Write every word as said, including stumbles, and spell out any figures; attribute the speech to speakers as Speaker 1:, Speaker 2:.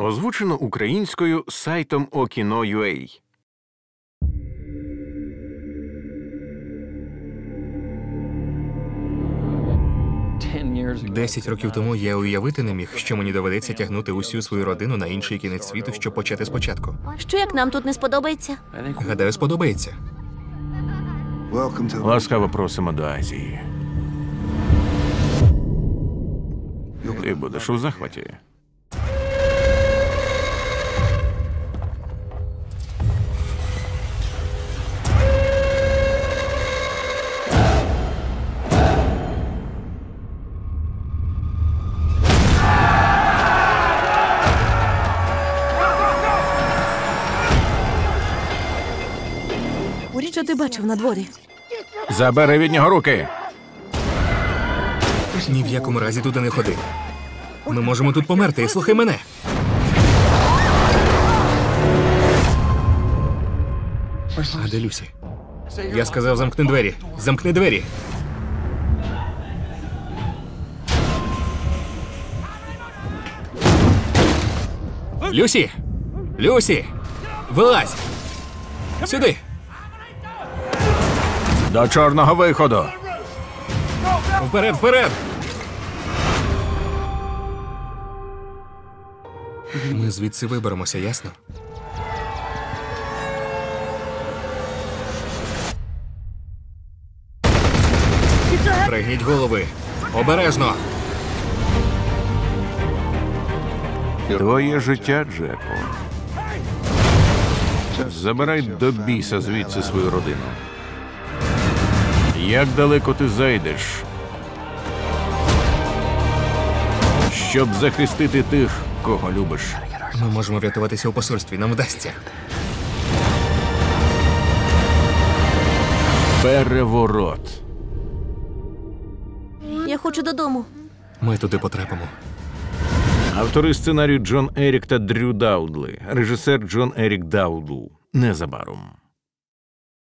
Speaker 1: Озвучено українською сайтом Okino.ua.
Speaker 2: Десять років тому я уявити не міг, що мені доведеться тягнути усю свою родину на інший кінець світу, щоб почати спочатку.
Speaker 3: Що, як нам тут не сподобається?
Speaker 2: Гадаю, сподобається.
Speaker 1: Ласкаво просимо до Азії. Ти будеш у захваті.
Speaker 3: Що ти бачив на дворі?
Speaker 1: Забери від нього руки!
Speaker 2: Ні в якому разі туди не ходи. Ми можемо тут померти, і слухай мене. А де Люсі? Я сказав, замкни двері. Замкни двері. Люсі! Люсі! Вилазь! Сюди!
Speaker 1: До чорного виходу!
Speaker 2: Вперед, вперед! Ми звідси виберемося, ясно? Пригніть голови! Обережно!
Speaker 1: Твоє життя, Джеку. Забирай до біса звідси свою родину. Як далеко ти зайдеш, щоб захистити тих, кого любиш?
Speaker 2: Ми можемо врятуватися у посольстві, нам вдасться.
Speaker 1: Переворот.
Speaker 3: Я хочу додому.
Speaker 2: Ми туди потрапимо.
Speaker 1: Автори сценарію Джон Ерік та Дрю Даудли. Режисер Джон Ерік Даудл. Незабаром.